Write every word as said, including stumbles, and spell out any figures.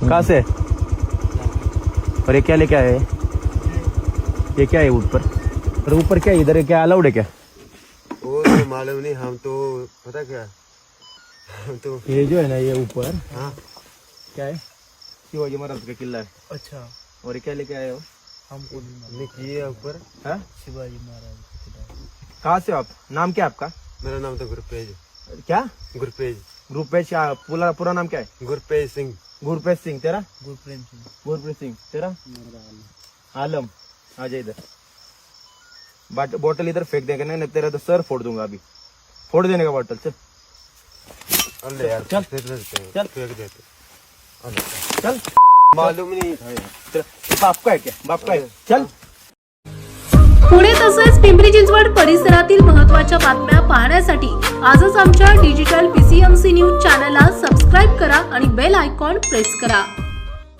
कहाँ से? और ये क्या लेके आए? ये क्या है ऊपर? और ऊपर क्या है? इधर क्या अलाउड है क्या? वो तो मालूम नहीं, हम तो पता क्या हम तो ये जो है ना ये ऊपर हाँ क्या है? शिवाजी महाराज का किला है। अच्छा, और ये क्या लेके आए हो? हमको नहीं मालूम। हमने किए ऊपर। हाँ? शिवाजी महाराज का किला। कहाँ से हो आप? नाम क्या है आपका? मेरा नाम तो गुरपेज क्या? गुरपेज गुरपेश क्या? पूरा पूरा नाम क्या है? गुरपेज सिंह। गुरपेश सिंह। तेरा? गुरप्रेम सिंह। गुरप्रीत सिंह। तेरा? आलम। आ जा इधर। बाट बोतल इधर फेंक देगा नहीं, तेरा तो सर फोड़ दूंगा अभी। फोड़ देने का बोतल। चल अरे यार चल। फेंक देते हैं, चल। फेंक देते चल। मालूम नहीं। तेरा बाप का है क्या? बाप का है? चल। पुणे तसेच पिंपरी चिंचवड परिसरातील महत्त्वाच्या बातम्या पाहण्यासाठी आजच आमच्या डिजिटल पीसीएमसी न्यूज चॅनलला सबस्क्राईब करा आणि बेल आयकॉन प्रेस करा।